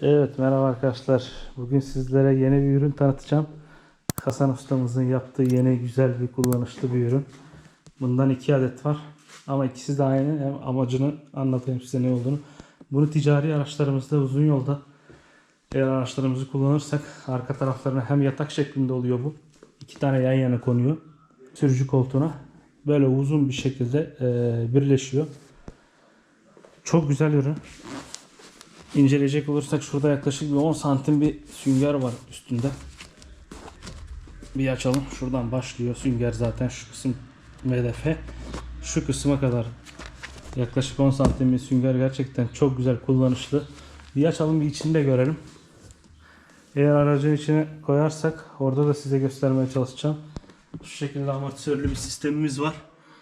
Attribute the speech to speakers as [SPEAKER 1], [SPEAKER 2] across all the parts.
[SPEAKER 1] Evet, merhaba arkadaşlar. Bugün sizlere yeni bir ürün tanıtacağım. Hasan ustamızın yaptığı yeni güzel bir kullanışlı bir ürün. Bundan 2 adet var. Ama ikisi de aynı. Hem amacını anlatayım size ne olduğunu. Bunu ticari araçlarımızda uzun yolda eğer araçlarımızı kullanırsak arka taraflarına hem yatak şeklinde oluyor bu. 2 tane yan yana konuyor. Sürücü koltuğuna. Böyle uzun bir şekilde birleşiyor. Çok güzel ürün. İnceleyecek olursak şurada yaklaşık bir 10 santim bir sünger var üstünde. Bir açalım. Şuradan başlıyor. Sünger zaten şu kısım MDF. Şu kısma kadar yaklaşık 10 santim bir sünger, gerçekten çok güzel, kullanışlı. Bir açalım, bir içini de görelim. Eğer aracın içine koyarsak orada da size göstermeye çalışacağım. Şu şekilde amortisörlü bir sistemimiz var.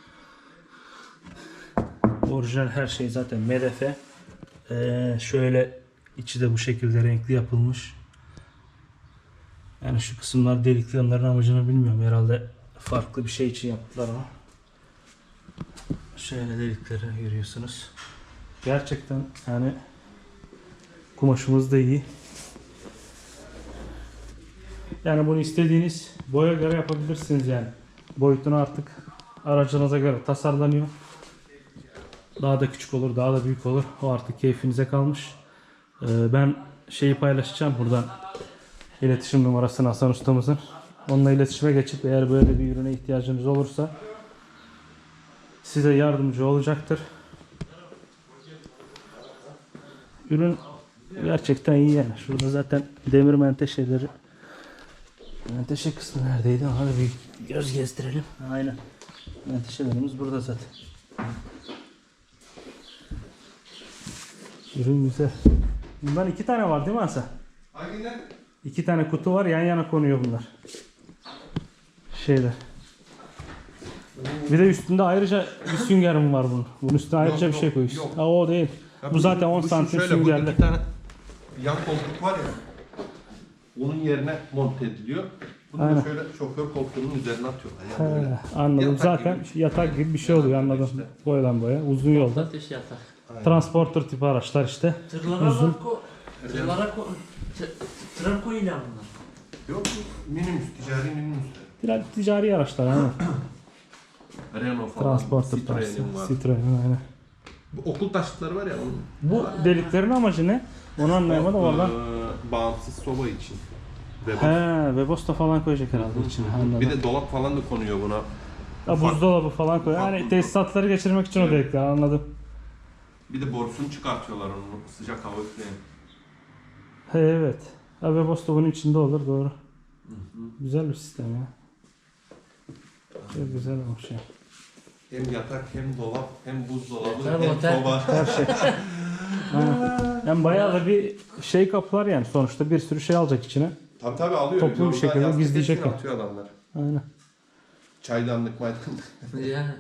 [SPEAKER 1] Orijinal her şey zaten MDF. Şöyle içi de bu şekilde renkli yapılmış. Yani şu kısımlar delikli, onların amacını bilmiyorum. Herhalde farklı bir şey için yaptılar ama. Şöyle delikleri görüyorsunuz. Gerçekten yani kumaşımız da iyi. Yani bunu istediğiniz boya göre yapabilirsiniz yani. Boyutunu artık aracınıza göre tasarlanıyor. Daha da küçük olur, daha da büyük olur. O artık keyfinize kalmış. Ben şeyi paylaşacağım buradan. İletişim numarasını Hasan ustamızın. Onunla iletişime geçip eğer böyle bir ürüne ihtiyacınız olursa size yardımcı olacaktır. Ürün gerçekten iyi yani. Şurada zaten demir menteşeleri. Menteşe kısmı neredeydi? Hadi bir göz gezdirelim. Aynen. Menteşelerimiz burada zaten. Ürün güzel. Bundan 2 tane var değil mi Hasan?
[SPEAKER 2] Hanginden?
[SPEAKER 1] 2 tane kutu var, yan yana konuyor bunlar. Şeyler. Bir de üstünde ayrıca bir sünger mi var bunun? Bunun üstüne ayrıca bir şey koyuyorsun.
[SPEAKER 2] yok.
[SPEAKER 1] Ha, o değil.
[SPEAKER 2] Ya
[SPEAKER 1] bu zaten 10 santim
[SPEAKER 2] şöyle,
[SPEAKER 1] süngerli.
[SPEAKER 2] Bu 2 tane yan koltuk var ya. Onun yerine monte ediliyor. Bunu
[SPEAKER 1] Aynen.
[SPEAKER 2] da şöyle şoför koltuğunun üzerine atıyorlar. Yani böyle.
[SPEAKER 1] Anladım.
[SPEAKER 2] Yatak
[SPEAKER 1] Zaten
[SPEAKER 2] gibi bir şey.
[SPEAKER 1] yatak gibi bir şey oluyor, anladım.
[SPEAKER 2] İşte.
[SPEAKER 1] Boydan boya. Uzun yolda.
[SPEAKER 3] Ateş yatak.
[SPEAKER 1] Transporter tipi araçlar işte.
[SPEAKER 3] Tırlara
[SPEAKER 1] Uzun.
[SPEAKER 3] bak o. Tır koyuyla bunlar.
[SPEAKER 2] Yok, minibüs, ticari minibüsler.
[SPEAKER 1] Ticari araçlar aynen.
[SPEAKER 2] Renault falan.
[SPEAKER 1] Transporter
[SPEAKER 2] Citroen'in
[SPEAKER 1] tarzı.
[SPEAKER 2] var.
[SPEAKER 1] Citroen aynen.
[SPEAKER 2] Bu okul taşıtları var ya onun.
[SPEAKER 1] Bu deliklerin amacı ne? Onu anlayamadım oradan.
[SPEAKER 2] Bağımsız soba için.
[SPEAKER 1] He, Webasto falan koyacak herhalde içine. Anladım.
[SPEAKER 2] Bir de dolap falan da konuyor buna.
[SPEAKER 1] Ha, buzdolabı falan koy. Yani tesisatları geçirmek için o delikler, anladım.
[SPEAKER 2] Bir de borusunu çıkartıyorlar onun, sıcak hava üfleyen.
[SPEAKER 1] He, evet. Ha, Webasto bunun içinde olur, doğru. Güzel bir sistem ya. Çok güzel olmuş ya.
[SPEAKER 2] Hem yatak, hem dolap, hem buzdolabı,
[SPEAKER 3] Yatak,
[SPEAKER 2] hem
[SPEAKER 3] otel.
[SPEAKER 2] soba.
[SPEAKER 1] Her şey. Aynen. Yani bayağı da bir şey kaplar yani. Sonuçta bir sürü şey alacak içine.
[SPEAKER 2] Tabii alıyor.
[SPEAKER 1] Toplu bir
[SPEAKER 2] Yoldan
[SPEAKER 1] şekilde
[SPEAKER 2] yastık
[SPEAKER 1] gizleyecek
[SPEAKER 2] hepsini
[SPEAKER 1] o.
[SPEAKER 2] atıyor adamlar.
[SPEAKER 1] Aynen.
[SPEAKER 2] Çaydanlık, maydanlık.
[SPEAKER 3] Yani.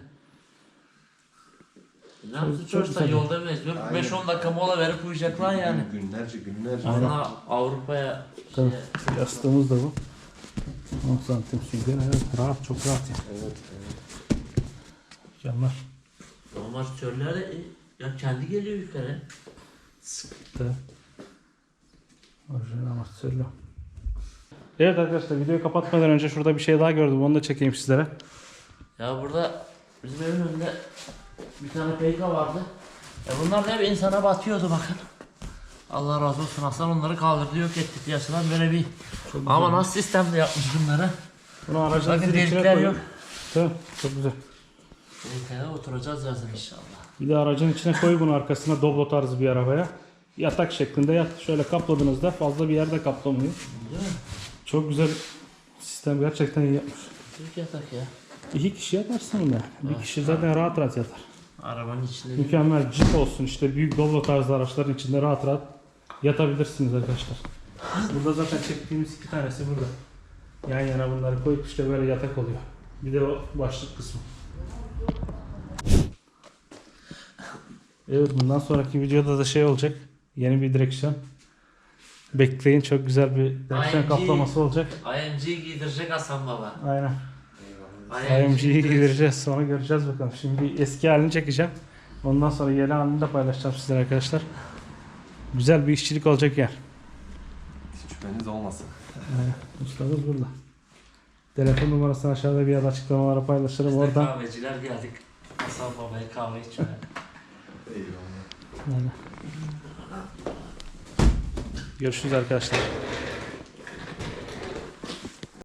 [SPEAKER 3] Ne yapsın çocuklar
[SPEAKER 1] güzel.
[SPEAKER 3] yolda mecbur
[SPEAKER 2] Aynen.
[SPEAKER 3] 5-10 dakika mola verip uyuyacaklar yani.
[SPEAKER 2] Günlerce.
[SPEAKER 3] Sonra Avrupa'ya
[SPEAKER 1] Tabii. Yastığımız da bu. 10 santim sünger. Evet, rahat, çok rahat yani.
[SPEAKER 2] Evet.
[SPEAKER 1] Canlar.
[SPEAKER 3] normal türler de ya kendi geliyor yukarı.
[SPEAKER 1] Sıkıntı. Orijinal amortisörlü. Evet arkadaşlar, videoyu kapatmadan önce şurada bir şey daha gördüm. Onu da çekeyim sizlere.
[SPEAKER 3] Ya burada bizim evin önünde bir tane peyka vardı. Ya bunlar da hep insana batıyordu bakın. Allah razı olsun, Hasan onları kaldırdı, yok etti piyasadan böyle bir. Ama nasıl sistemle yapmış bunları.
[SPEAKER 1] Bunu aracınızın
[SPEAKER 3] Bakın
[SPEAKER 1] içine
[SPEAKER 3] delikler
[SPEAKER 1] koyun.
[SPEAKER 3] yok.
[SPEAKER 1] Tamam, çok güzel.
[SPEAKER 3] Peykaya oturacağız yazın inşallah.
[SPEAKER 1] Bir de aracın içine koy bunu, arkasına Doblo tarzı bir arabaya. Yatak şeklinde yat. Şöyle kapladığınızda fazla bir yerde kaplamıyor.
[SPEAKER 3] Değil mi?
[SPEAKER 1] Çok güzel sistem, gerçekten iyi yapmış.
[SPEAKER 3] Türk yatak ya.
[SPEAKER 1] 2 kişi yatarsın bunda. Bir kişi zaten rahat rahat yatar.
[SPEAKER 3] Arabanın içinde bir
[SPEAKER 1] Mükemmel. Jeep olsun işte, büyük Doblo tarzı araçların içinde rahat rahat yatabilirsiniz arkadaşlar. Burada zaten çektiğimiz 2 tanesi burada. Yan yana bunları koyup işte böyle yatak oluyor. Bir de o başlık kısmı. Evet, bundan sonraki videoda da şey olacak. Yeni bir direksiyon. Bekleyin, çok güzel bir direksiyon
[SPEAKER 3] IMG.
[SPEAKER 1] kaplaması olacak.
[SPEAKER 3] IMG giydirecek Hasan Baba.
[SPEAKER 1] Aynen.
[SPEAKER 3] IMG
[SPEAKER 1] IMG'yi giydireceğiz, sonra göreceğiz bakalım. Şimdi eski halini çekeceğim. Ondan sonra yeni halini de paylaşacağım sizlere arkadaşlar. Güzel bir işçilik olacak yani.
[SPEAKER 2] halimiz olmasın.
[SPEAKER 1] Ustamız burada. Telefon numarasını aşağıda bir yerde açıklamalara paylaşırım.
[SPEAKER 3] Biz de
[SPEAKER 1] Oradan.
[SPEAKER 3] kahveciler geldik. Hasan babaya kahve içmeye.
[SPEAKER 2] Eyvallah.
[SPEAKER 1] Yani. Görüşürüz arkadaşlar.